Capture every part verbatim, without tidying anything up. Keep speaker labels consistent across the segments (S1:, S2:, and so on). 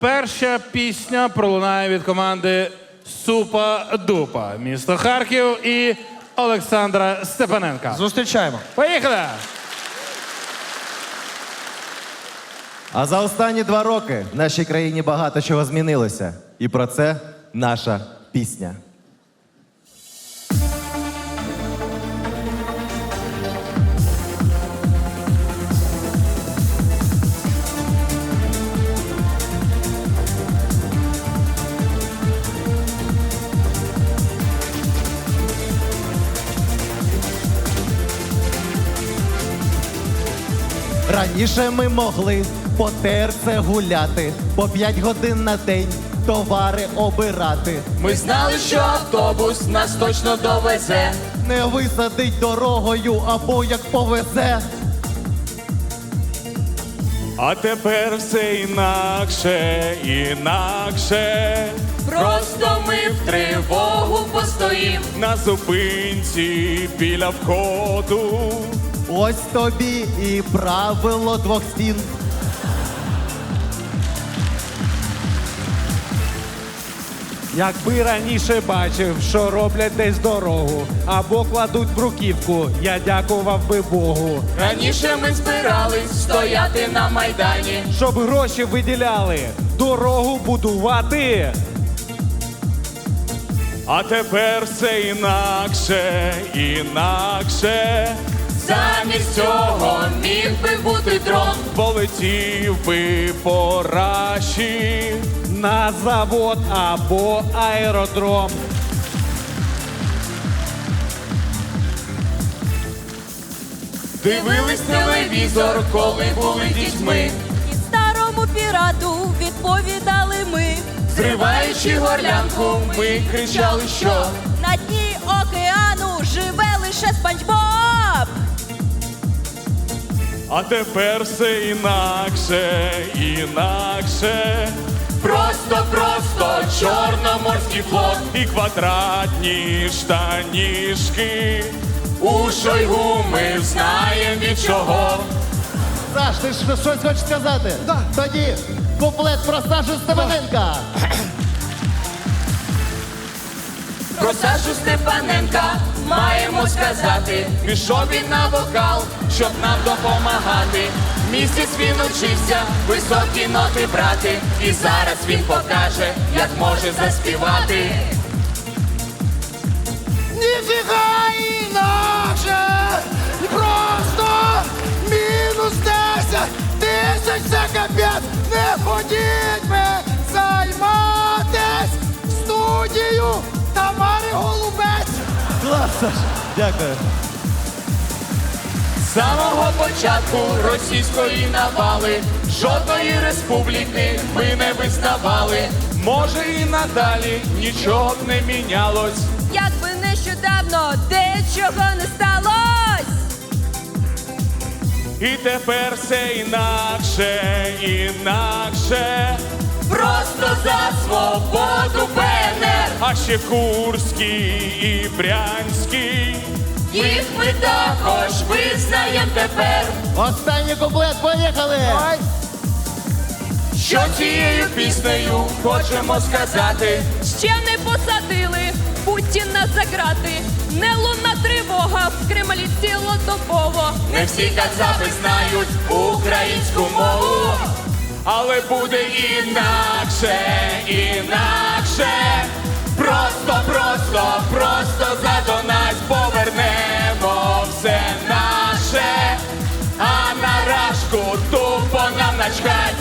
S1: Перша пісня пролунає від команди Супа-Дупа. Місто Харків і Олександра Степаненка.
S2: Зустрічаємо.
S1: Поїхали!
S3: А за останні два роки в нашій країні багато чого змінилося. І про це наша пісня. Раніше ми могли по терце гуляти, по п'ять годин на день товари обирати.
S4: Ми знали, що автобус нас точно довезе.
S3: Не висадить дорогою або як повезе.
S5: А тепер все інакше, інакше.
S4: Просто ми в тривогу постоїм.
S5: На зупинці біля входу.
S3: Ось тобі і правило двох стін.
S2: Якби раніше бачив, що роблять десь дорогу, або кладуть бруківку, я дякував би Богу.
S4: Раніше ми збирались стояти на Майдані.
S2: Щоб гроші виділяли, дорогу будувати.
S5: А тепер все інакше, інакше.
S4: Замість цього міг би бути дрон.
S5: Полетів би по раші.
S2: На завод або аеродром.
S4: Дивились телевізор, коли були дітьми.
S6: І старому пірату відповідали ми.
S4: Зриваючи горлянку, ми кричали, що
S6: На дні океану живе лише Спанч Боб.
S5: А тепер все інакше, інакше.
S4: просто, просто Чорноморський флот.
S5: І квадратні штанішки.
S4: У Шойгу ми знаєм від чого.
S3: Саш, ти ж щось хочеш сказати? Так. Тоді куплет про Сашу Степаненка.
S4: Про Сашу Степаненка маємо сказати. Пішов він на вокал, щоб нам допомагати. Місяць він учився високі ноти брати. І зараз він покаже, як може заспівати.
S7: Ніфіга інакше, просто мінус десять тисяч, це капець, не ходіть ми займатись в студію Тамари Голубець.
S3: Клас, Саш. Дякую.
S4: З самого початку російської навали жодної республіки ми не визнавали.
S5: Може і надалі нічого б не мінялось.
S6: Якби нещодавно дечого не сталось.
S5: І тепер все інакше, інакше.
S4: Просто за свободу Б Н Р.
S5: А ще Курський і Брянський.
S4: Їх ми також визнаєм тепер.
S3: Останній куплет, поїхали!
S4: Що цією піснею хочемо сказати?
S6: Ще не посадили Путіна за грати. Не лунна тривога в Кремлі цілодобово.
S4: Не всі казаби знають українську мову.
S5: Але буде інакше, інакше.
S4: Просто, просто, просто задонать повернемо все наше. А на рашку тупо нам начхать.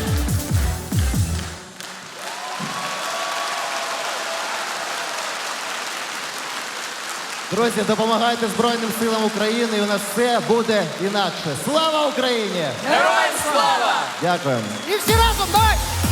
S3: Друзі, допомагайте Збройним силам України, і у нас все буде інакше. Слава Україні!
S4: Героям слава!
S3: Дякуємо.
S7: І всі разом, давай!